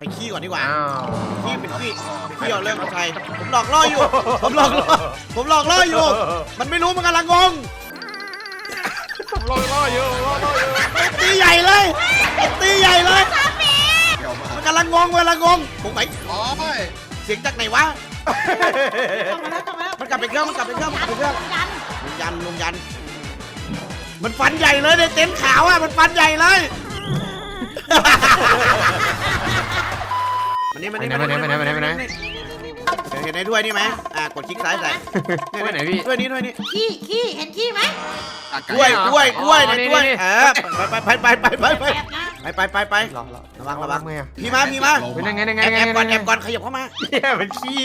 ไปขี้ก่อนดีกว่าขี้เป็นขี้เอาเรื่องเอาใจผมหลอกล่ออยู่ผมหลอกล่ออยู่มันไม่รู้มันกำลังงงล่ออยู่ตีใหญ่เลยตีใหญ่เลยมันกำลังงงผมไปเสียงจากไหนวะมันกลับไปเครื่องลุงยันมันฟันใหญ่เลยในเต็นท์ขาวอ่ะมันฟันใหญ่เลยมันนี่เห็นในถ้วยนี่ไหมกดคลิกซ้ายใส่ถ้วยไหนพี่ถ้วยนี้ขี้เห็นขี้ไหมกล้วยในถ้วยไประวังไงพี่มาเป็นยังไงแอบก่อนขยับเข้ามาเนี่ยเป็นขี้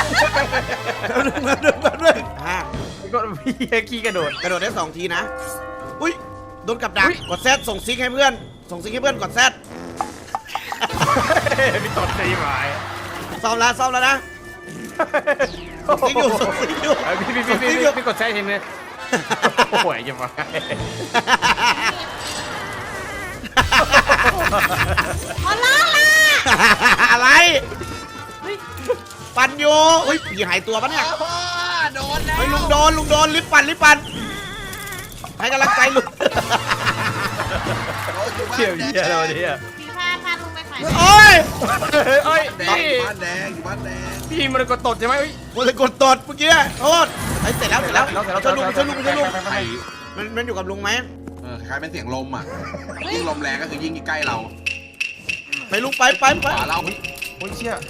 ก็พี่ขี้กระโดดได้2 ทีนะอุ้ยโดนกับดักกดแซดส่งซิกให้เพื่อนกดแซดพี่ตดตีหมายซ้อมแล้วนะซิกอยู่พี่กดแซดทีนึงโอ้ยอย่ามาขอร้องล่ะอะไรปั่นอยู่อุ้ยผีหายตัวปะเนี่ยโดนแล้วเฮ้ยลุงโดนลิฟต์ปั่นให้กำลังใจลุงเชี่ยวเยี่ยเราเนี่ยพี่พาลุงไปขายโอ้ยพี่บ้านแดงพี่มันกดตดใช่ไหมมันเลยกดตดเมื่อกี้โทษเสร็จแล้วช่วยลุงมันอยู่กับลุงไหมคล้ายเป็นเสียงลมอ่ะยิ่งลมแรงก็คือยิ่งใกล้เราไปลุงไปเราโอ้ยเชี่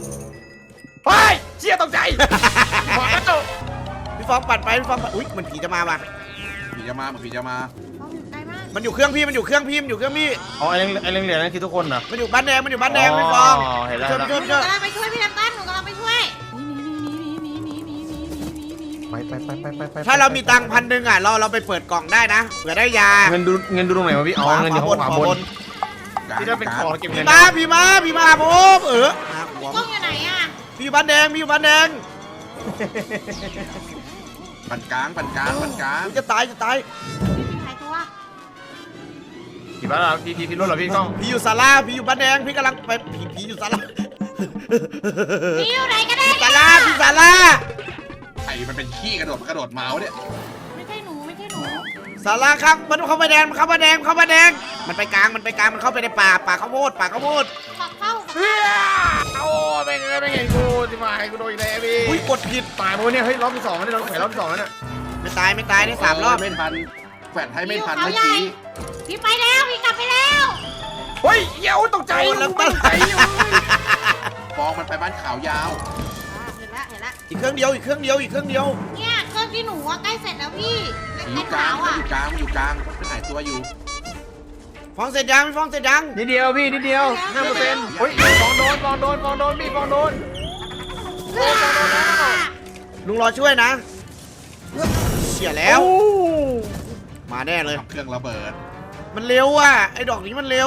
ยตกใจพี่ฟองปั่นไปอุ้ยมันผีจะมาป่ะผีจะมามันอยู่เครื่องพี่อ๋อไอ้เรื่องเหรียญนั่นคือทุกคนเหรอมันอยู่บ้านแดงพี่ฟองช่วยหนูกำลังไปช่วยพี่น้ำตาลหนูกำลังไปช่วยไปถ้าเรามีตังค์1,000อ่ะเราไปเปิดกล่องได้นะเผื่อได้ยาเงินดูตรงไหนวะพี่อ๋อเงินอยู่ขวาบนที่ถ้าเป็นของเก็บเงินพี่มาผมกล้องอยู่ไหนอ่ะพี่อยู่บ้านแดงปั่นกลางจะตายหายตัวผีบ้านเราพี่รถเหรอพี่กล้องพี่อยู่ศาลาพี่อยู่บ้านแดงพี่กำลังไปผีอยู่ศาลาพี่อยู่ไหนกันแน่ศาลาไอ้มันเป็นขี้กระโดดเมาส์เนี่ยไม่ใช่หนูศาลาครับมันเข้ามาแดงมันไปกลางมันเข้าไปในป่าข้าวโพดเข้าโอ้ไม่เห็นกูที่มาให้กูโดนอีกแล้วพี่อุ้ยกดผิดตายมั้งเนี่ยเฮ้ยรอบที่2แล้วเราแข่รอบที่2แล้วเนี่ยไม่ตายได้3 รอบไม่ทันแฝดให้ไม่ทันเมื่อกี้พี่ไปแล้วพี่กลับไปแล้วเฮ้ยเย้ตกใจฟองมันไปบ้านขาวยาวเห็นละอีกเครื่องเดียวเนี่ยเครื่องที่หนูใกล้เสร็จแล้วพี่อยู่กลางมันหายตัวอยู่ฟองเสร็จยังนิดเดียวพี่นิดเดียว 5%เฮ้ยฟองโดนพี่ฟองโดนลุงรอช่วยนะเสียแล้วมาแน่เลยเครื่องระเบิดมันเร็วอ่ะไอ้ดอกนี้มันเร็ว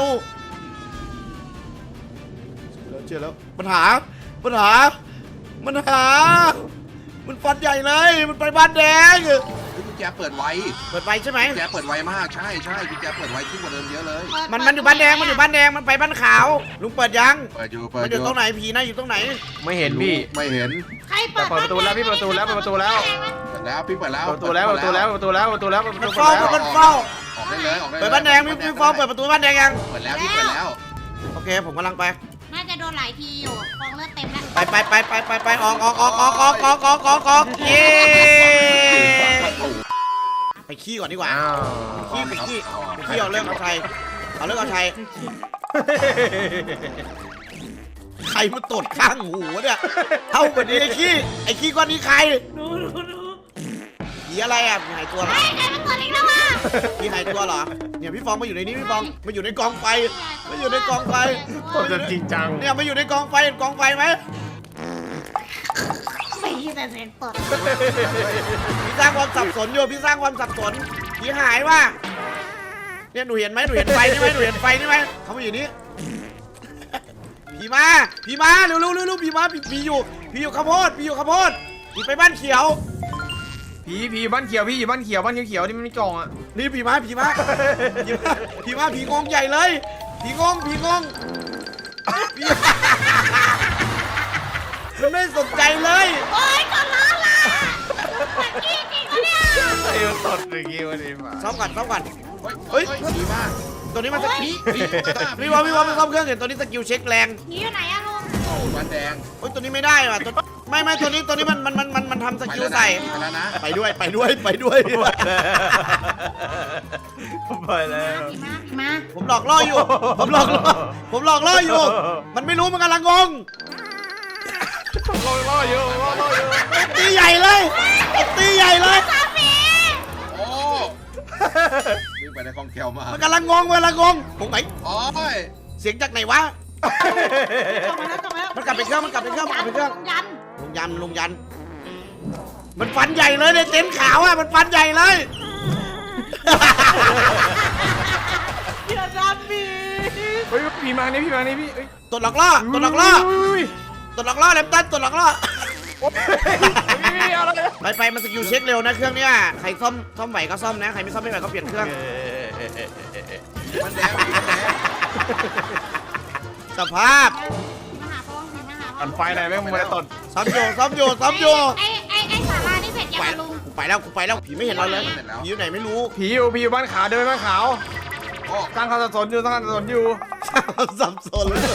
เจอแล้วปัญหามันฟันใหญ่เลยมันไปบ้านแดงกุญแจเปิดไวใช่ไหมกุญแจเปิดไวมากใช่กุญแจเปิดไวขึ้นกว่าเดิมเยอะเลยมันอยู่บ้านแดงมันไปบ้านขาวลุงเปิดยังเปิดอยู่ตรงไหนผีนะอยู่ตรงไหนไม่เห็นพี่ไม่เห็นใครเปิดประตูแล้วพี่เปิดประตูแล้วพี่เปิดแล้วมันเฝ้าออกได้เลยเปิดบ้านแดงพี่ฟองเปิดประตูบ้านแดงยังเปิดแล้วโอเคผมกำลังไปน่าจะโดนหลายทีอยู่ฟองเลือดเต็มแล้วไปออกเย้ไปขี้ก่อนดีกว่าขี้เอาเรื่องเอาชัยใครมาตดข้างหูเนี่ยเท่าแบบนี้ไอ้ขี้ก้อนนี้ใครผีอะไรอ่ะหายตัวเหรอใครมาตดอีกแล้วอ่ะผีหายตัวเหรอเนี่ยพี่ฟองมาอยู่ในนี้พี่ฟองมาอยู่ในกองไฟตดจริงจังเนี่ยมาอยู่ในกองไฟไหมไม่แต่เสียงตดพี่สร้างความสับสนอยู่ผีหายว่ะเนี่ยหนูเห็นไฟนี่ไหมเขามาอยู่นี่ผีมาเร็วผีอยู่ข้าวโพดผีไปบ้านเขียวผีบ้านเขียวพี่อยู่บ้านเขียวที่มันมีกล่องอ่ะนี่ผีมาผีงงใหญ่เลยผีงงมันไม่สนใจเลยโอ๊ยขอร้องล่ะแต่กี้จริงปะเนี่ยไอ้มันตดอย่างงี้วันนี้มาซ่อมก่อนซ่อมก่อนเฮ้ยผีบ้าตัวนี้มันสกิลผีพี่วอมไม่ซ่อมเครื่องเห็นตัวนี้สกิลเช็คแรงผีอยู่ไหนอะลุงวันแดงโอ้ยตัวนี้ไม่ได้ว่ะตัวไม่ตัวนี้มันทำสกิลใส่ไปแล้วนะไปด้วยไปแล้วผีมาผมหลอกล่ออยู่ ผมหลอกล่ออยู่ มันไม่รู้มันกำลังงงล่ออยู่ตีใหญ่เลยตีใหญ่เลยตาผีโอ้วิ่งไปในคลองแคลวมากมันกำลังงงผมไหนโอ้ยเสียงจากไหนวะกลับมาแล้วมันกลับไปเครื่องยันลุงยัน มันฟันใหญ่เลยในเต็นท์ขาวอ่ะมันฟันใหญ่เลยอย่าทำผีเฮ้ยผีมานี่พี่เอ้ยตัวหลอกล่อแลมตันตัวหลอกล่ออะไรไปมันสกิลเช็คเร็วนะเครื่องเนี้ยใครซ่อมไหวก็ซ่อมนะใครไม่ซ่อมไม่ไหวก็เปลี่ยนเครื่องวันแดงวันแดงสภาพมาหาพ่อผีมาหาพ่ออันไฟไหนแม่งมาตดซ่อมอยู่ไอ้สารานี่เสร็จยังไปอะลุงกูไปแล้วผีไม่เห็นเราเลยผีอยู่ไหนไม่รู้ผีอยู่บ้านขาวเดินไปบ้านขาวโอ้ตั้งคำสับสนอยู่สับสนเลย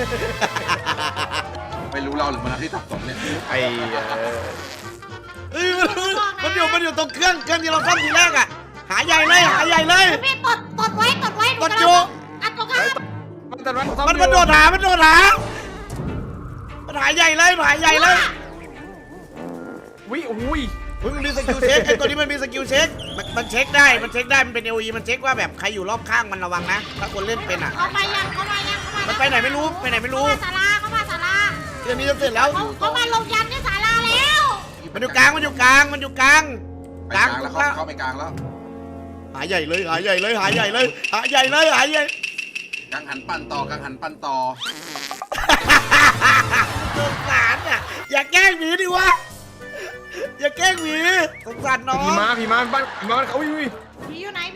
ไม่รู้เราหรือมันที่สับสนเนี่ยไอ้เอ้ยมันอยู่ตรงเครื่องที่เราซ่อมทีแรกอ่ะหาใหญ่เลยพี่ตดไว้ตดอยู่อัดตรงข้างมันโดดหามันหาใหญ่เลยอุ้ยมันมีสกิลเช็คไอ้ตัวนี้มันมีสกิลเช็คมันเช็คได้มันเป็น LE มันเช็คว่าแบบใครอยู่รอบข้างมันระวังนะถ้าคนเล่นเป็นอ่ะเขามายังมันไปไหนไม่รู้เขามาศาลาเรื่องนี้จะเสร็จแล้วเขามาลงยันที่ศาลาแล้วมันอยู่กลางไปกลางแล้วเข้าไปกลางแล้วหาใหญ่เลยกลางหันปั่นต่อสงสารอ่ะอย่าแกล้งหมีดิวะอย่าแกล้งหมีสงสารน้องผีมาบ้านเขาอุ้ยผีอยู่ไหนผี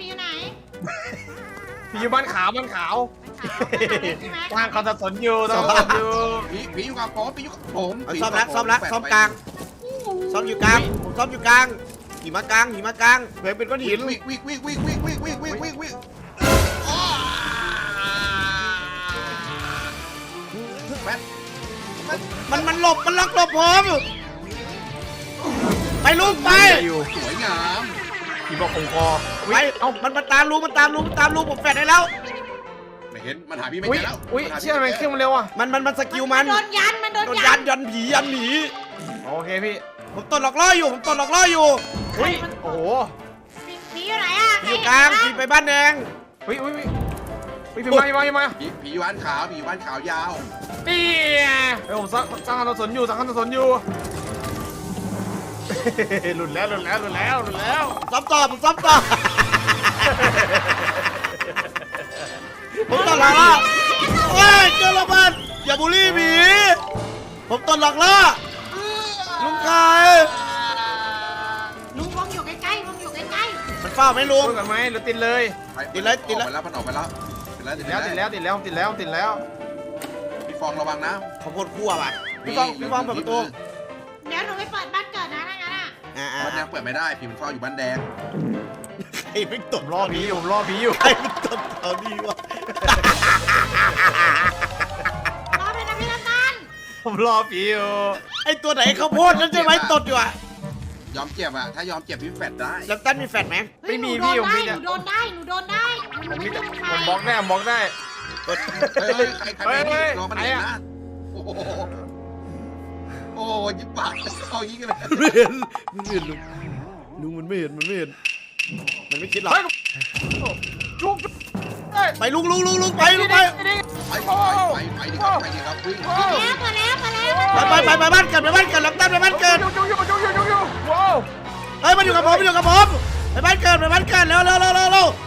อยู่บ้านขาวตั้งคำสับสนอยู่ผีอยู่กับผมผีอยู่กับผมซ่อมกลางซ่อมอยู่กลางหิมะกลางเผื่อเป็นก้อนหินวิ่งแมทมันล็อกผมไปลูกไปสวยงามผีบอกคงคอไปมันตามลูกผมแฟดได้แล้วไม่เห็นมันหาพี่ไม่อุ้ยเจอแล้วเชื่อไหมเครื่องมันเร็วอ่ะมันสกิลมันโดนยันโดนยันผีโอเคพี่ผมตดหลอกล่ออยู่อุ้ยโอ้โหผีอยู่ไหนอะอยู่กลางผีไปบ้านแดงอุ้ยผีมาผีอยู่บ้านขาวยาวนี่ไอ้ผมสร้างคำสับสนอยู่หลุดแล้วซ้อมต่อผมตดหลอกล่อโอ้ยเจอระเบิดอย่าบูลลี่ผีผมตดหลอกล่อลุงไก่ลุงวงอยู่ใกล้มันเฝ้าไหมลุงพูดกันไหมหรือติดเลยติดแล้วมันออกไปแล้วติดแล้วพี่ฟองระวังนะเขาโคตรคั่วว่ะพี่ฟองเปิดประตูเดี๋ยวหนูไปเปิดบ้านเกิดนะถ้างั้นอะบ้านแดงเปิดไม่ได้พี่มันเฝ้าอยู่บ้านแดงใครไม่ตดรอผีอยู่ใครไม่ตดเอาดีวะรอด้วยนะพี่น้ำตาลผมรอผีอยู่ไอตัวไหนเขาโพดนั่นใช่ไหมตดอยู่อ่ะยอมเจ็บถ้ายอมเจ็บพี่แฟดได้แล้วตั้นมีแฟดไหมไม่มีหนูพี่โดนได้หนูโดนได้ผมบล็อกได้เฮ้ยใครรอมันเองนะโอ้โหโอ้ยิบปากเอายิงกันเลยไม่เห็นลุงมันไม่เห็นมันไม่คิดหรอกจุกไปลุงไปไปดิครับวิ่งมาแล้วไปบ้านเกิดแล้วตั้นไปบ้านเกิดว้าวเฮ้ยมันอยู่กับผมไปบ้านเกิดเร็ว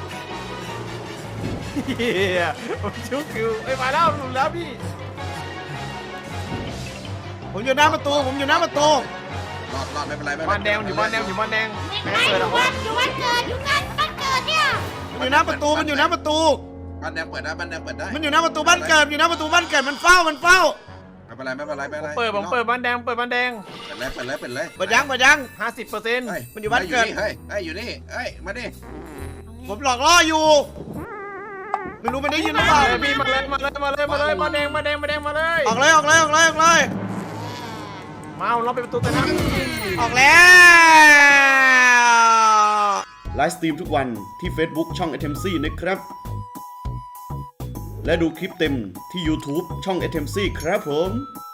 เฮียผมชุกอยู่มาแล้วหลุดแล้วพี่ผมอยู่หน้าประตูรอดไม่เป็นไรบ้านแดงอยู่บ้านแดงไม่อยู่บ้านเกิดอยู่บ้านเกิดเนี่ยมันอยู่หน้าประตูบ้านแดงเปิดได้บ้านแดงเปิดได้มันอยู่หน้าประตูบ้านเกิดอยู่หน้าประตูบ้านเกิดมันเฝ้าไม่เป็นไรไม่เป็นไรไม่เป็นไรผมเปิดบ้านแดงเปิดบ้านแดงเปิดเลยเปิดยัง 50% มันอยู่บ้านเกิดเฮ้ยอยู่นี่เฮ้ยมาดิผมหลอกล่ออยู่ไม่รู้มันได้ยินหรือเปล่าพี่มาเลยบ้านแดงมาเลยออกเลยมาเราไปประตูแต่นั้นออกแล้วไลฟ์สตรีมทุกวันที่ Facebook ช่อง ATMC นะครับ และดูคลิปเต็มที่ YouTube ช่อง ATMC ครับผม